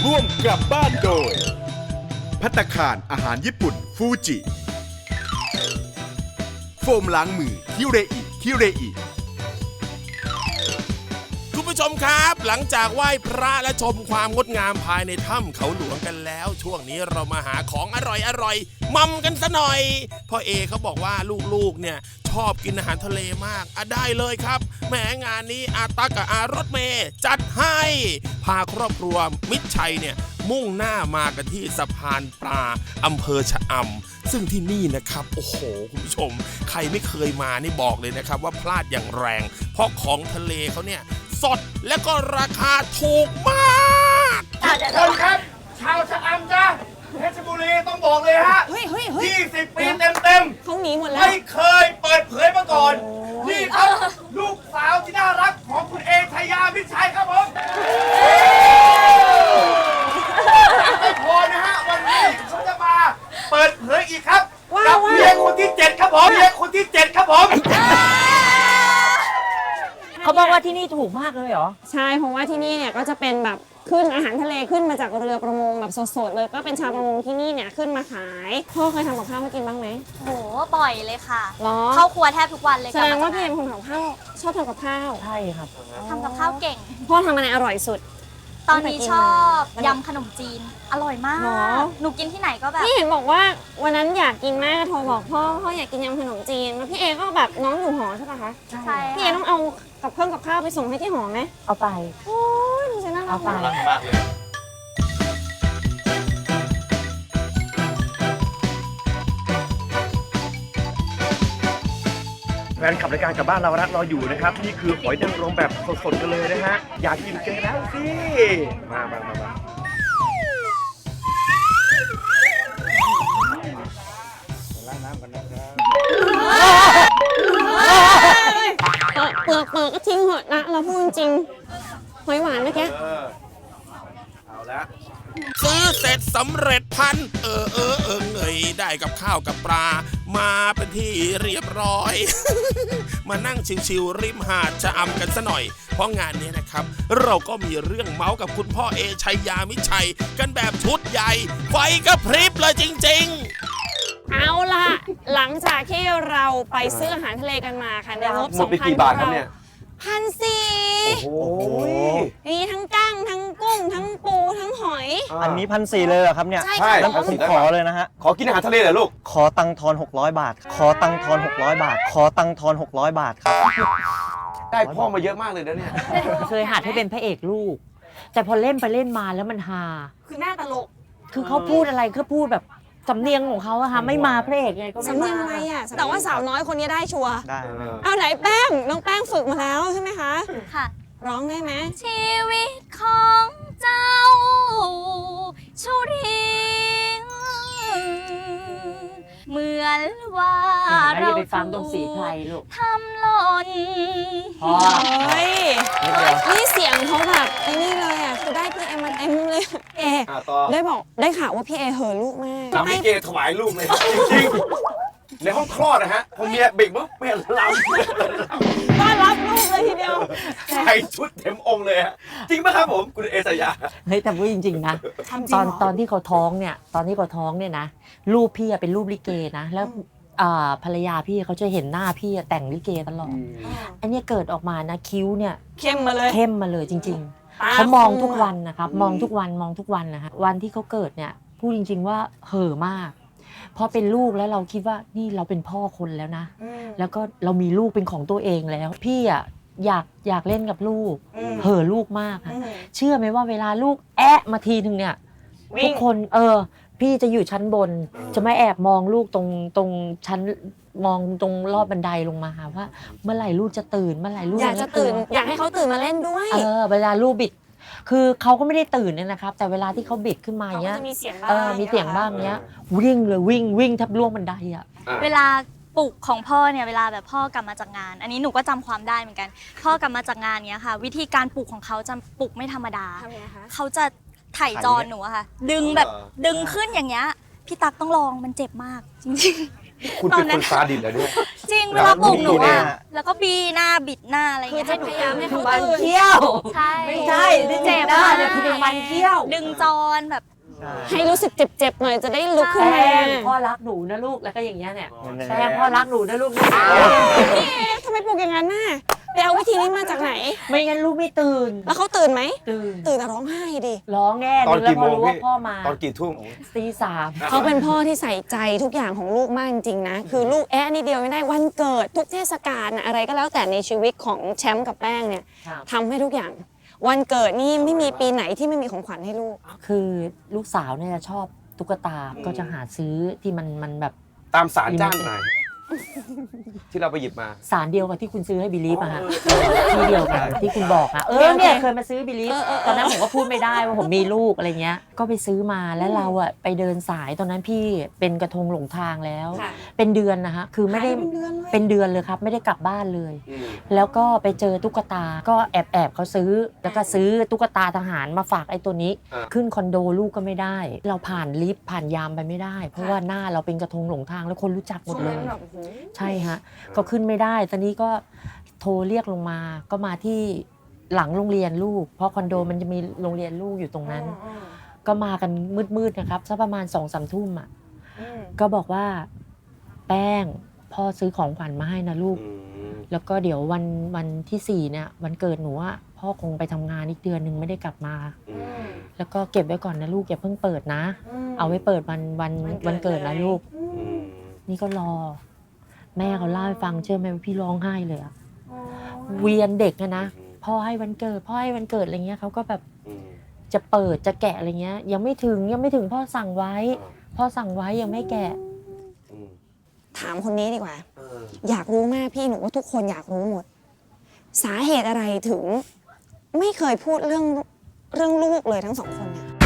ร่วมกลับบ้านโดยภัตตาคารอาหารญี่ปุ่นฟูจิโฟมล้างมือคิเรอิคุณผู้ชมครับหลังจากไหว้พระและชมความงดงามภายในถ้ำเขาหลวงกันแล้วช่วงนี้เรามาหาของอร่อยมัมกันซะหน่อยพ่อเอเขาบอกว่าลูกๆเนี่ยชอบกินอาหารทะเลมากได้เลยครับแหมงานนี้อาตักกับอารถเมย์จัดให้พาครอบครัวมิตรชัยเนี่ยมุ่งหน้ามากันที่สะพานปลาอำเภอชะอำซึ่งที่นี่นะครับโอ้โหคุณผู้ชมใครไม่เคยมานี่บอกเลยนะครับว่าพลาดอย่างแรงเพราะของทะเลเขาเนี่ยสดและก็ราคาถูกมากทุกคนครับชาวชะอำจ้าเพชรบุรีต้องบอกเลยฮะ20 ปีเต็มเขาหนีหมดแล้วไม่เคยเปิดเผยมาก่อนนี่ครับลูกสาวที่น่ารักของคุณเอชยามิตรชัยครับผมไม่พอนะฮะวันนี้เขาจะมาเปิดเผยอีกครับกับเมียคนที่7ครับผมเมียคนที่7ครับผมเขาบอกว่าที่นี่ถูกมากเลยเหรอใช่เพราะว่าที่นี่เนี่ยก็จะเป็นแบบขึ้นอาหารทะเลขึ้นมาจากเรือประมงแบบสดๆเลยก็เป็นชาวประมงที่นี่เนี่ยขึ้นมาขายพ่อเคยทำกับข้าวมากินบ้างไหมโหบ่อยเลยค่ะหรอเข้าครัวแทบทุกวันเลยแสดงว่าพี่เป็นคนทำข้าวชอบทำกับข้าวใช่ครับทำกับข้าวเก่งพ่อทำอะไรอร่อยสุดตอนนี้ชอบยำขนมจีนอร่อยมากหนูกินที่ไหนก็แบบพี่เห็นบอกว่าวันนั้นอยากกินมากโทรบอกพ่ออยากกินยำขนมจีนแล้วพี่เอก็แบบน้องอยู่หอใช่ปะคะใช่พี่เอต้องเอากับเครื่องกับข้าวไปส่งให้ที่หอไหมเอาไปโอ้ยดูสิน่ารักมากเลยแฟนขับรายการกลับบ้านเรารักรออยู่นะครับนี่คือหอยนางรมแบบสดๆกันเลยนะฮะอยากกินกันแล้วสิมาล้างน้ำกันนะครับเปลือกก็ทิ้งเหอะนะเราพูดจริงหอยหวานเมื่อกี้เอาละซื้อเสร็จสำเร็จพันเงยได้กับข้าวกับปลามาเป็นที่เรียบร้อย มานั่งชิวๆริมหาดชะอำกันซะหน่อยเพราะงานนี้นะครับเราก็มีเรื่องเมาส์กับคุณพ่อเอชัยยามิตรชัยกันแบบชุดใหญ่ไฟกระพริบเลยจริงๆเอาล่ะหลังจากที่เราไปซื้ออาหารทะเลกันมาค่ะในงบหมดไปกี่บาทครับเนี่ย 1,400 โอ้โหมีทั้งกั้งทั้งกุ้งทั้งปูทั้งหอยอันนี้1,400เลยเหรอครับเนี่ยใช่แล้วผมขอเลยนะฮะขอกินอาหารทะเลเหรอลูกขอตังทอน600 บาทขอตังทอน600 บาทขอตังทอน600 บาทครับได้พ่อมาเยอะมากเลยนะเนี่ยเคยหัดให้เป็นพระเอกลูกแต่พอเล่นไปเล่นมาแล้วมันฮาคือหน้าตลกคือเขาพูดอะไรก็พูดแบบสำเนียงของเขาอะค่ะไม่มาพระเอกไงก็ไม่มาสำเนียงอะไรอะแต่ว่าสาวน้อยคนนี้ได้ชัวร์ได้เอาไหนแป้งน้องแป้งฝึกมาแล้วใช่ไหมคะค่ะร้องได้ไหมชีวิตของเจ้าชุริงเหมือนว่าเราไปฟังตรงสีไพรลูกทำหล่นเฮ้ยนี่เสียงเขาแบบไอ้นี่เลยอ่ะคือได้พี่เอมาเต็มเลยเอได้ข่าวว่าพี่เอเหอะลูกมากทำให้เกถวายลูกเลยจริงๆในห้องคลอดนะฮะพอเมียเบ่งปุ๊บเมียลำต้อนรับลูกเลยทีเดียวใส่ชุดเต็มองค์เลยฮะจริงไหมครับผมคุณเอชยาเฮ้ยแต่พูดจริงๆนะตอนที่เขาท้องเนี่ยนะรูปพี่เป็นรูปลิเกนะแล้วภรรยาพี่เขาจะเห็นหน้าพี่แต่งลิเกตลอดอันนี้เกิดออกมานะคิ้วเนี่ยเข้มมาเลยจริงๆเขามองทุกวันนะครับมองทุกวันนะฮะวันที่เขาเกิดเนี่ยพูดจริงๆว่าเห่อมากพอเป็นลูกแล้วเราคิดว่านี่เราเป็นพ่อคนแล้วนะแล้วก็เรามีลูกเป็นของตัวเองแล้วพี่อ่ะอยากเล่นกับลูกเห่อลูกมากค่ะเชื่อไหมว่าเวลาลูกแอะมาทีนึงเนี่ยทุกคนพี่จะอยู่ชั้นบนจะไม่แอบมองลูกตรงชั้นมองตรงรอบบันไดลงมาว่าเมื่อไหร่ลูกจะตื่นเมื่อไหร่ลูกอยากจะตื่นอยากให้เขาตื่นมาเล่นด้วยเวลาลูกบิดคือเขาก็ไม่ได้ตื่นเนี่ยนะครับแต่เวลาที่เขาบิดขึ้นมาเนี้ยมีเสียงบ้างเนี้ยวิ่งเลยวิ่งทับล่วงบันไดอ่ะเวลาปลุกของพ่อเนี่ยเวลาแบบพ่อกลับมาจากงานอันนี้หนูก็จำความได้เหมือนกันพ่อกลับมาจากงานเนี้ยค่ะวิธีการปลุกของเขาจะปลุกไม่ธรรมดาเขาจะไถ่จอนหนูอะค่ะดึงขึ้นอย่างเงี้ยพี่ตั๊กต้องลองมันเจ็บมากจริงคุณเป็นคนซาดิสเหรอเนี่ยจริงเวลาปลุกหนูเนี่อะยแล้วก็บีหน้าบิดหน้าอะไรอย่างคือเงี้ยจะพยายามให้เขามันตื่นเขี้ยวใช่ไม่ใช่ที่เจ็บหน้าเนี่ยคือเป็นมันเขี้ยวดึงจรแบบให้รู้สึกเจ็บๆหน่อยจะได้ลุกขึ้นแป้มางพ่อรักหนูนะลูกแล้วก็อย่างเงี้ยเนี่ยแป้งพ่อรักหนูนะลูกพี่เอทำไมปลุกอย่างนั้นน่ะไปเอาวิธีนี้มาจากไหนไม่งั้นลูกไม่ตื่นแล้วเขาตื่นไหมตื่นตื่นแต่ร้องไห้ดิร้องแน่ตอนแล้วกี่พโมอง รู้พี่ว่าพ่อมาตอนกี่ทุ่มตีสามเขาเป็นพ่อที่ใส่ใจทุกอย่างของลูกมากจริงๆนะ คือลูกแอะนิดเดียวไม่ได้วันเกิดทุกเทศกาลน่ะอะไรก็แล้วแต่ในชีวิตของแชมป์กับแป้งเนี่ยครับทำให้ทุกอย่าง วันเกิดนี่ไม่มีปีไหนที่ไม่มีของขวัญให้ลูกคือลูกสาวเนี่ยชอบตุ๊กตาก็จะหาซื้อที่มันแบบตามสารจ้านไหนที่เราไปหยิบมาสารเดียวกับที่คุณซื้อให้บิลีฟอะฮะที่เดียวกันที่คุณบอกอะเนี่ยเคยมาซื้อบิลีฟตอนนั้นผมก็พูดไม่ได้ว่าผมมีลูกอะไรเงี้ยก็ไปซื้อมาแล้วเราอะไปเดินสายตอนนั้นพี่เป็นกระทงหลงทางแล้วค่ะเป็นเดือนนะฮะคือไม่ได้เป็นเดือนเลยเป็นเดือนเลยครับไม่ได้กลับบ้านเลย แล้วก็ไปเจอตุ๊กตาก็แอบเขาซื้อแล้วก็ซื้อตุ๊กตาทหารมาฝากไอ้ตัวนี้ ขึ้นคอนโดลูกก็ไม่ได้ เราผ่านลิฟต์ผ่านยามไปไม่ได้ เพราะว่าหน้าเราเป็นกระทงหลงทางแล้วคนรู้จักหมดเลย ใช่ฮะก็ขึ้นไม่ได้ตอนนี้ก็โทรเรียกลงมาก็มาที่หลังโรงเรียนลูกเพราะคอนโดมันจะมีโรงเรียนลูกอยู่ตรงนั้น ก็มากันมืดๆนะครับสักประมาณ2-3 ทุ่มอ่ะก็บอกว่าแป้งพ่อซื้อของขวัญมาให้นะลูก แล้วก็เดี๋ยววันที่4เนี่ยวันเกิดหนูอ่ะพ่อคงไปทำงานอีกเดือนหนึ่งไม่ได้กลับมา แล้วก็เก็บไว้ก่อนนะลูกอย่าเพิ่งเปิดนะ เอาไว้เปิดวันเกิดนะลูก นี่ก็รอ แม่เขาเล่าให้ฟังเชื่อไหมว่าพี่ร้องไห้เลยอะเวียนเด็กอะนะพ่อให้วันเกิดพ่อให้วันเกิดอะไรเงี้ยเขาก็แบบจะเปิดจะแกะอะไรเงี้ยยังไม่ถึงพ่อสั่งไว้พ่อสั่งไว้ยังไม่แกะถามคนนี้ดีกว่า อยากรู้มากพี่หนูว่าทุกคนอยากรู้หมด สาเหตุอะไรถึง ไม่เคยพูดเรื่องลูกเลยทั้งสองคนเนี่ย